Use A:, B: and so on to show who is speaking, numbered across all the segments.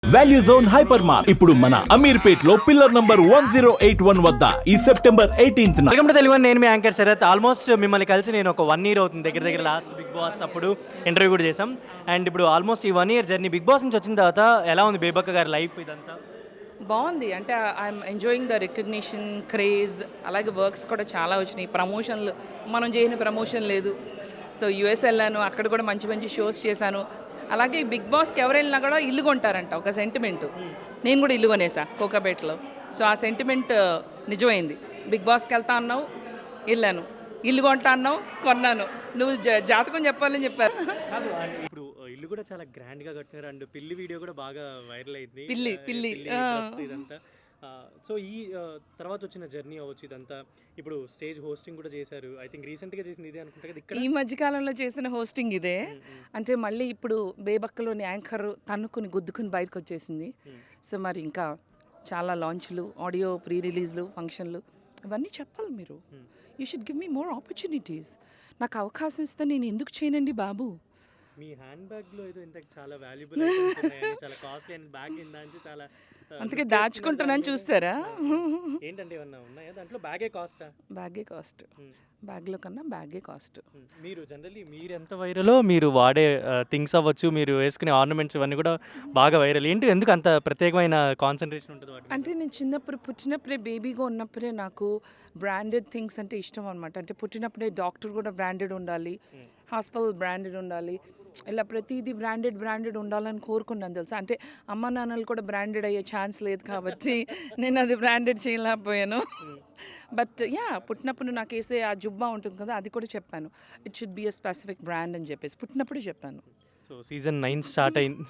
A: Value zone hyper mart ఇప్పుడు మన అమీర్పేట్ లో పిల్లర్ నంబర్ 1081 వద్ద ఈ September 18th
B: welcome to Telugu. నేను మీ యాంకర్ శరత్. ఆల్మోస్ట్ మిమ్మల్ని కలిసి నేను ఒక 1 year అవుతుంది. దగ్గర లాస్ట్ బిగ్ బాస్ అప్పుడు ఇంటర్వ్యూ కూడా చేసాం. అండ్ ఇప్పుడు ఆల్మోస్ట్ ఈ 1 year జర్నీ బిగ్ బాస్ నుంచి వచ్చిన తర్వాత ఎలా ఉంది బేబక్క గారి లైఫ్ ఇదంతా?
C: బాగుంది. అంటే I'm enjoying the recognition, craze, అలాగే వర్క్స్ కూడా చాలా వచ్చినాయి. ప్రమోషన్లు మనం చేయని ప్రమోషన్ లేదు. సో యూఎస్ వెళ్ళాను, అక్కడ కూడా మంచి మంచి షోస్ చేశాను. అలాగే బిగ్ బాస్కి ఎవరు వెళ్ళినా కూడా ఇల్లు కొంటారంట, ఒక సెంటిమెంట్. నేను కూడా ఇల్లు కొనేసా కోకాపేటలో. సో ఆ సెంటిమెంట్ నిజమైంది. బిగ్ బాస్కి వెళ్తా అన్నావు, వెళ్ళాను. ఇల్లు కొంటా అన్నావు, కొన్నాను. నువ్వు జాతకం చెప్పాలని చెప్పారు.
B: ఇప్పుడు ఇల్లు కూడా చాలా గ్రాండ్ గా కట్టినారు. అండ్ పిల్లి వీడియో కూడా బాగా వైరల్ అయింది.
C: పిల్లి
B: ఇదంతా. సో ఈ తర్వాత వచ్చిన జర్నీ అవ్వచ్చు ఇదంతా. ఇప్పుడు స్టేజ్ హోస్టింగ్ కూడా చేశారు. ఐ థింక్ రీసెంట్గా చేసింది ఇదే అనుకుంటా కదా ఇక్కడ.
C: ఈ మధ్యకాలంలో చేసిన హోస్టింగ్ ఇదే. అంటే మళ్ళీ ఇప్పుడు బేబక్కలోని యాంకర్ తన్నుకుని గుద్దుకుని బయటకు వచ్చేసింది. సో మరి ఇంకా చాలా లాంచ్లు, ఆడియో ప్రీ రిలీజ్లు, ఫంక్షన్లు ఇవన్నీ చెప్పాలి మీరు. You should give me more opportunities. నాకు అవకాశం ఇస్తే నేను ఎందుకు చేయనండి బాబు?
B: మీ హ్యాండ్ బ్యాగ్ లో ఏదో ఇంత చాలా వాల్యుబుల్ ఐటమ్స్ ఉన్నాయి, చాలా కాస్ట్లీ అయిన బ్యాగ్ ఇందాంచి చాలా
C: అందుకే దాచుకుంటున్నాను, చూస్తారా?
B: ఏంటంటే ఏమన్నా ఉన్నాయా దాంట్లో? బ్యాగే కాస్టా?
C: బ్యాగే కాస్ట్, బ్యాగ్లో కన్నా బ్యాగే కాస్ట్.
B: మీరు జనరల్లీ మీరు ఎంత వైరలో మీరు వాడే థింగ్స్ అవ్వచ్చు, మీరు వేసుకునే ఆర్నమెంట్స్ ఇవన్నీ కూడా బాగా వైరల్. ఏంటి, ఎందుకు అంత ప్రత్యేకమైన కాన్సన్ట్రేషన్ ఉంటుంది వాటి?
C: అంటే నేను చిన్నప్పుడు పుట్టినప్పుడే, బేబీగా ఉన్నప్పుడే నాకు బ్రాండెడ్ థింగ్స్ అంటే ఇష్టం అనమాట. అంటే పుట్టినప్పుడే డాక్టర్ కూడా బ్రాండెడ్ ఉండాలి, హాస్పిటల్ బ్రాండెడ్ ఉండాలి, ఇలా ప్రతిదీ బ్రాండెడ్ ఉండాలని కోరుకున్నాను తెలుసా. అంటే అమ్మ నాన్నలు కూడా బ్రాండెడ్ అయ్యే ఛాన్స్ లేదు కాబట్టి నేను అది బ్రాండెడ్ చేయలేకపోయాను. బట్ యా, పుట్టినప్పుడు నాకు వేసే ఆ జుబ్బా ఉంటుంది కదా, అది కూడా చెప్పాను. It should be a specific brand అని చెప్పేసి పుట్టినప్పుడే చెప్పాను.
B: సో సీజన్ 9 స్టార్ట్ అయింది.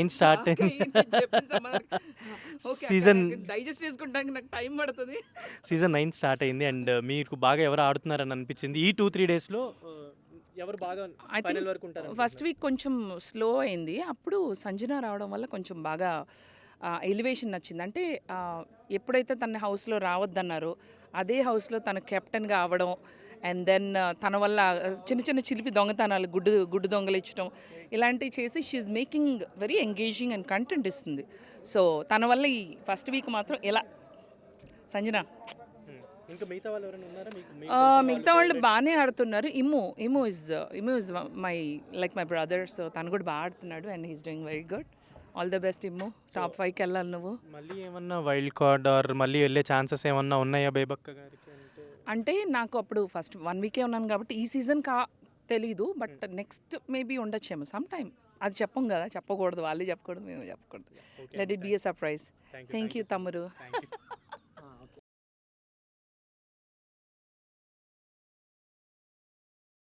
C: డైజెస్ట్ చేసుకుంటానికి నాకు టైం పడుతుంది.
B: సీజన్ 9 స్టార్ట్ అయింది. అండ్ మీకు బాగా ఎవరు ఆడుతున్నారని అనిపించింది ఈ 2-3 డేస్లో? ఎవరు బాగా ఫైనల్ వరకు ఉంటారు?
C: ఫస్ట్ వీక్ కొంచెం స్లో అయింది. అప్పుడు సంజన రావడం వల్ల కొంచెం బాగా ఎలివేషన్ నచ్చింది. అంటే ఎప్పుడైతే తన హౌస్లో రావద్దన్నారో అదే హౌస్లో తన కెప్టెన్గా అవ్వడం, అండ్ దెన్ తన వల్ల చిన్న చిన్న చిలిపి దొంగతనాలు, గుడ్డు దొంగలు ఇచ్చడం, ఇలాంటివి చేసి she's making very engaging and content ఇస్తుంది. సో తన వల్ల ఈ ఫస్ట్ వీక్ మాత్రం ఎలా సంజన.
B: ఇంకా మిగతా వాళ్ళు ఎవరైనా ఉన్నారా?
C: మిగతా వాళ్ళు బాగానే ఆడుతున్నారు. Immu is my my brother. So తను కూడా బాగా ఆడుతున్నాడు and he's doing very good. All the best Immu. Top 5కి వెళ్ళాలి నువ్వు.
B: మళ్ళీ ఏమన్నా వైల్డ్ కార్డ్ ఆర్ మళ్ళీ వెళ్ళే ఛాన్సెస్ ఏమన్నా ఉన్నాయా బేబక్క గారికి?
C: అంటే నాకు అప్పుడు ఫస్ట్ 1 వీకే ఉన్నాను కాబట్టి ఈ సీజన్ తెలీదు. బట్ నెక్స్ట్ మేబీ ఉండొచ్చేమో సమ్ టైమ్. అది చెప్పం కదా, చెప్పకూడదు, వాళ్ళే చెప్పకూడదు, మేము చెప్పకూడదు. Let it be a surprise. Thank you తమ్ముడు.